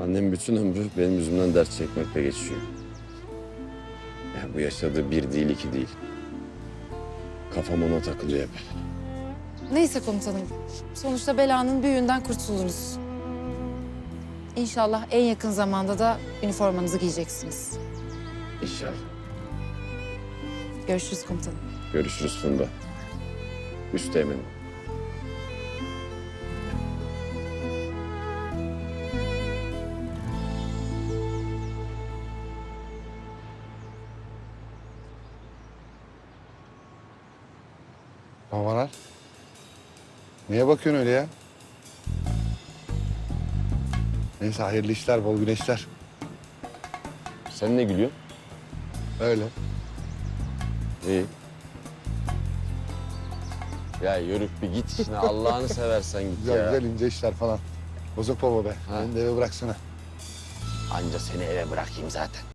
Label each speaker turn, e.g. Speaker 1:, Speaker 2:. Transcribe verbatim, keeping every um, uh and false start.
Speaker 1: Annem bütün ömrü benim yüzümden dert çekmekle geçiyor. Yani bu yaşadığı bir değil, iki değil. Kafam ona takılıyor hep.
Speaker 2: Neyse komutanım. Sonuçta belanın büyüğünden kurtuldunuz. İnşallah en yakın zamanda da üniformanızı giyeceksiniz.
Speaker 1: İnşallah.
Speaker 2: Görüşürüz komutanım.
Speaker 1: Görüşürüz Funda. Üsteğmenim.
Speaker 3: Havalar. Niye bakıyorsun öyle ya? Neyse hayırlı işler, bol güneşler.
Speaker 1: Sen ne gülüyorsun?
Speaker 3: Öyle.
Speaker 1: İyi. Ya yörük bir git işine Allah'ını seversen git
Speaker 3: Güzel
Speaker 1: ya.
Speaker 3: güzel ince işler falan. Bozuk baba be.
Speaker 1: Ha.
Speaker 3: Beni de eve bıraksana.
Speaker 1: Anca seni eve bırakayım zaten.